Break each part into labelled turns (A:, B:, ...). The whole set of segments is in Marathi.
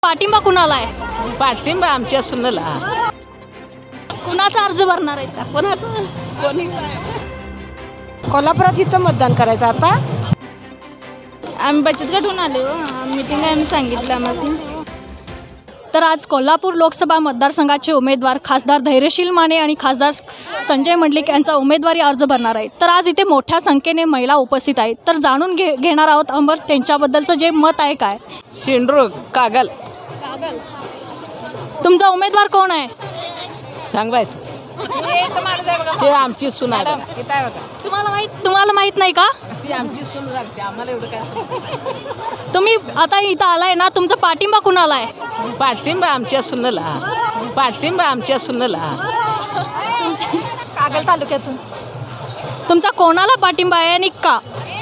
A: पाठिंबा कुणाला आहे?
B: पाठिंबा आमच्या सुनेला.
A: कुणाचा अर्ज भरणार आहे?
B: कोणाचं कोणी
C: कोल्हापुरात इथं मतदान करायचं आता.
D: आम्ही बचत गटून आलो. मीटिंग आम्ही सांगितलं आम्हाला.
A: तर आज कोल्हापूर लोकसभा मतदारसंघाचे उमेदवार खासदार धैर्यशील माने आणि खासदार संजय मंडलिक यांचा उमेदवारी अर्ज भरणार आहेत. तर आज इथे मोठ्या संख्येने महिला उपस्थित आहेत. तर जाणून घेणार आहोत अंबर त्यांच्याबद्दलचं जे मत आहे काय.
B: शेंड्रू कागल
A: तुमचा उमेदवार कोण आहे?
B: चांगला आहे ते आमची सून आहे.
A: तुम्हाला माहित नाही का?
B: ती आमची सून लागते आम्हाला एवढं काय.
A: तुम्ही आता इथं आलाय ना, तुमचा पाठिंबा कुणाला आहे?
B: पाठिंबा आमच्या सुनेला. पाठिंबा आमच्या सुनेला.
A: कागल तालुक्यातून तुमचा कोणाला पाठिंबा आहे आणि का?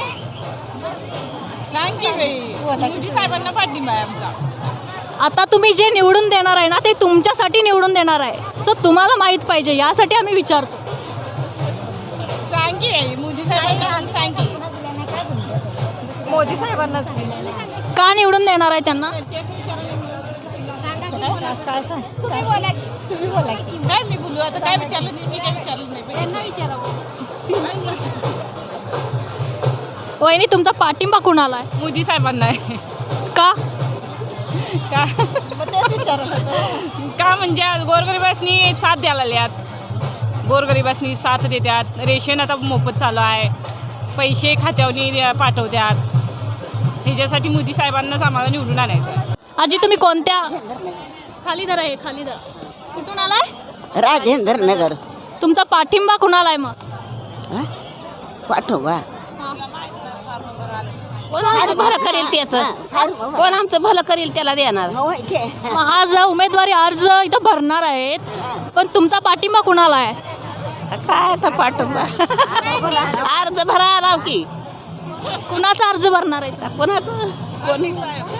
D: साहेबांना पाठिंबा आहे आमचा.
A: आता तुम्ही जे निवडून देणार आहे ना, ते तुमच्यासाठी निवडून देणार आहे. सो तुम्हाला माहीत पाहिजे, यासाठी आम्ही विचारतो.
D: मोदी साहेबांना सांगी.
C: मोदी साहेबांनाच
A: का निवडून देणार आहे त्यांना?
D: तुम्ही बोला की. काय मी बोलू आता? काय विचारलं नाही. मी काय विचारलं नाही. त्यांना विचारावं.
A: वहिनी, तुमचा पाठिंबा कुणाला आहे?
D: मोदी साहेबांना आहे.
A: का?
D: का का म्हणजे आज गोरगरिबासनी साथ द्यायला लागल्यात. गोरगरिबासनी साथ देतात. रेशन आता मोफत चालू आहे. पैसे खात्यावर पाठवतात. ह्याच्यासाठी मोदी साहेबांनाच आम्हाला निवडून आणायचं आहे.
A: आजी, तुम्ही कोणत्या? खाली धरा आहे, खाली धरा. कुठून आलाय?
C: राजेंद्र नगर.
A: तुमचा पाठिंबा कुणाला आहे मग?
C: पाठोबा
B: कोण आमचं भलं करेल त्याचं. कोण आमचं भलं करेल त्याला देणार.
A: मग आज उमेदवारी अर्ज इथं भरणार आहेत, पण तुमचा पाठिंबा कुणाला आहे?
B: काय आता पाठिंबा अर्ज भरा राव की.
A: कुणाचा अर्ज भरणार आहे?
B: कोणाचं कोणी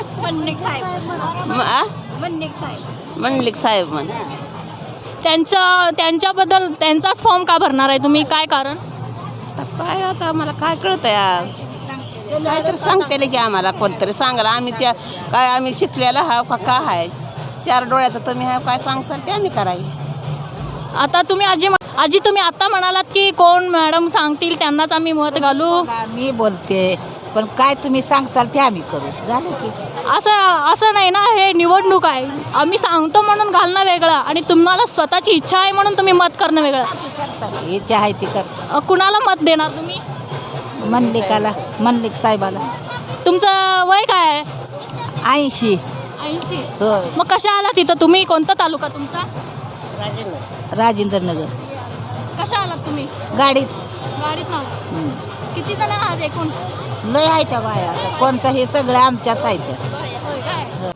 B: मंडलिक साहेब म्हण.
A: त्यांच्याबद्दल त्यांचाच फॉर्म का भरणार आहे तुम्ही? काय कारण?
B: काय आता आम्हाला काय कळतं यार. काय तर सांगते की आम्हाला कोणतरी सांगायला. आम्ही त्या काय आम्ही शिकलेला हा का काय आहे. चार डोळ्याचं तुम्ही हा काय सांगचाल ते आम्ही करायचं.
A: आता तुम्ही आजी तुम्ही आता म्हणालात की कोण मॅडम सांगतील त्यांनाच आम्ही मत घालू.
C: मी बोलते, पण काय तुम्ही सांगताल ते आम्ही करू. झालं की.
A: असं नाही ना, हे निवडणूक आहे. आम्ही सांगतो म्हणून घालणं वेगळं आणि तुम्हाला स्वतःची इच्छा आहे म्हणून तुम्ही मत करणं वेगळं.
C: इच्छा आहे ती कर.
A: कुणाला मत देणार तुम्ही?
C: मंडलिक साहेबाला.
A: तुमचं वय काय आहे?
C: 80.
A: 80.
C: हो.
A: मग कशा आला तिथं तुम्ही? कोणता तालुका तुमचा?
C: राजेंद्र नगर.
A: कशा आलात तुम्ही?
C: गाडीत
A: ना. किती जण आहात एकूण?
C: लय आहे त्या बाया. कोणतं हे सगळं आमच्याच आहे.
A: होय काय?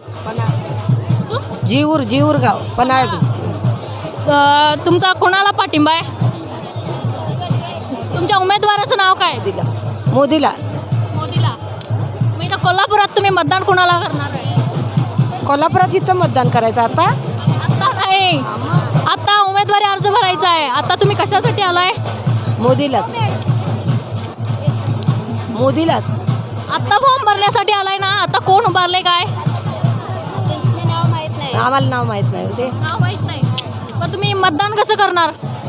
C: जीवर गाव पन्हाळ.
A: तुमचा कोणाला पाठिंबा आहे? तुमच्या उमेदवाराचं नाव काय?
C: मोदीला.
A: मोदीला. मग इथं कोल्हापुरात तुम्ही मतदान कुणाला करणार आहे?
C: कोल्हापुरात इथं मतदान करायचं आता.
A: आता नाही, आता उमेदवारी अर्ज भरायचा आहे. आता तुम्ही कशासाठी आलाय?
C: मोदीलाच.
A: आता फॉर्म भरण्यासाठी आलाय ना? आता कोण उभारले काय?
C: आम्हाला नाव माहित नाही ते.
A: नाव माहित नाही. मग तुम्ही मतदान कसं करणार?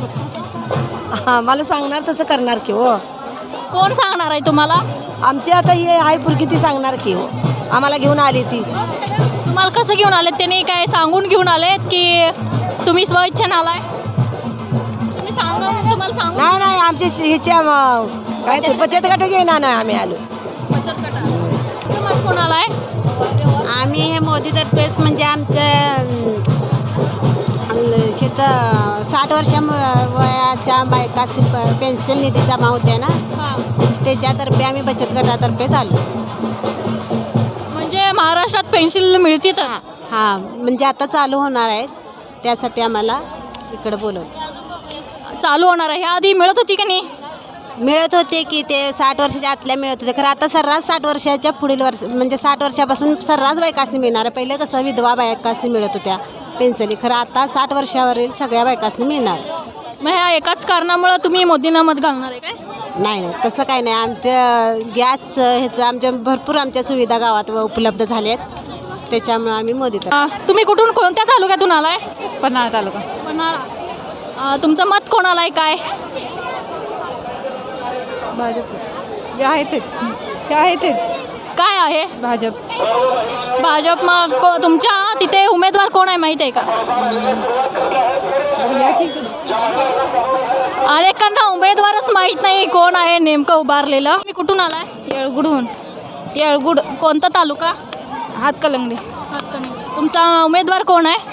C: मला सांगणार तसं करणार की हो.
A: कोण सांगणार आहे तुम्हाला?
C: आमची आता हे आहे पुरकी ती सांगणार की हो. आम्हाला घेऊन आली ती.
A: तुम्हाला कसं घेऊन आलेत? त्यांनी काय सांगून घेऊन आलेत की तुम्ही स्वइच्छेने आलाय? तुम्ही सांगा, तुम्हाला सांगू.
C: नाही आमची हिच्या काय ते बचत गट घेणार नाही आम्ही आलो.
A: बचत गटाचं मत कोणाला आहे?
D: आम्ही हे मोदीतर्फे म्हणजे आमच्या शेतं 60 वर्षा वयाच्या बायकासनी पेन्शन निधी जमा होते ना, त्याच्यातर्फे आम्ही बचत गटातर्फे चालू.
A: म्हणजे महाराष्ट्रात पेन्शन मिळते तर?
D: हां, म्हणजे आता चालू होणार आहे. त्यासाठी आम्हाला इकडं बोलवलं.
A: चालू होणार आहे. ह्या आधी मिळत होती का नाही?
D: मिळत होते की ते 60 वर्षाच्या आतल्या मिळत होते. खरं आता सर्रास 60 वर्षाच्या पुढील वर्ष म्हणजे 60 वर्षापासून सर्रास बायकासनी मिळणार आहे. पहिले कसं विधवा बायकासनी मिळत होत्या पेन्शनी. खरं आता 60 वर्षावरील सगळ्या बायकासनी मिळणार.
A: मग ह्या एकाच कारणामुळं तुम्ही मोदींना मत घालणार आहे काय?
D: नाही तसं काही नाही. आमच्या गॅसचं ह्याचं आमच्या भरपूर आमच्या सुविधा गावात उपलब्ध झाल्या आहेत. त्याच्यामुळे आम्ही मोदी तर
A: तुम्ही कुठून कोणत्या तालुक्यातून आलाय?
E: पन्हाळा तालुका.
A: पन्हाळा. तुमचं मत कोणाला आहे काय?
E: भाजप जे आहे तेच, ते आहे तेच
A: काय आहे
E: भाजप.
A: भाजप. मग तुमच्या तिथे उमेदवार कोण आहे माहीत आहे का?
E: या की
A: अनेकांना उमेदवारच माहीत नाही कोण आहे नेमकं उभारलेलं. तुम्ही कुठून आलाय?
F: येळगुडहून. येळगुड.
A: कोणता तालुका?
F: हातकलंगडे.
A: तुमचा उमेदवार कोण आहे?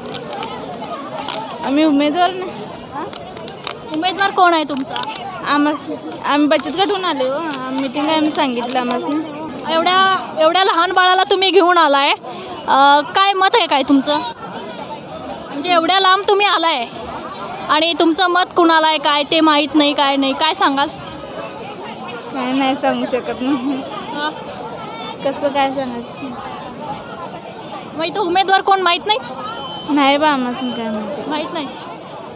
F: आम्ही उमेदवार नाही.
A: उमेदवार कोण आहे तुमचा?
F: आम्ही बचत गटहून आलो. मीटिंग आहे, आम्ही सांगितलं आम्हाला.
A: एवढ्या लहान बाळाला तुम्ही घेऊन आलाय, काय मत आहे काय तुमचं? म्हणजे एवढ्या लांब तुम्ही आलाय आणि तुमचं मत कुणाला आहे काय ते माहीत नाही, काय नाही, काय सांगाल?
F: काय नाही सांगू शकत नाही. कसं काय सांगायचं?
A: मग इथं उमेदवार कोण माहीत नाही?
F: नाही बा आम्हाला काय माहिती.
A: माहीत नाही.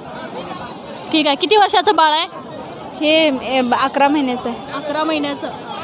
A: ठीक आहे. किती वर्षाचं बाळ आहे?
F: हे 11 महिन्याचं आहे.
A: 11 महिन्याचं.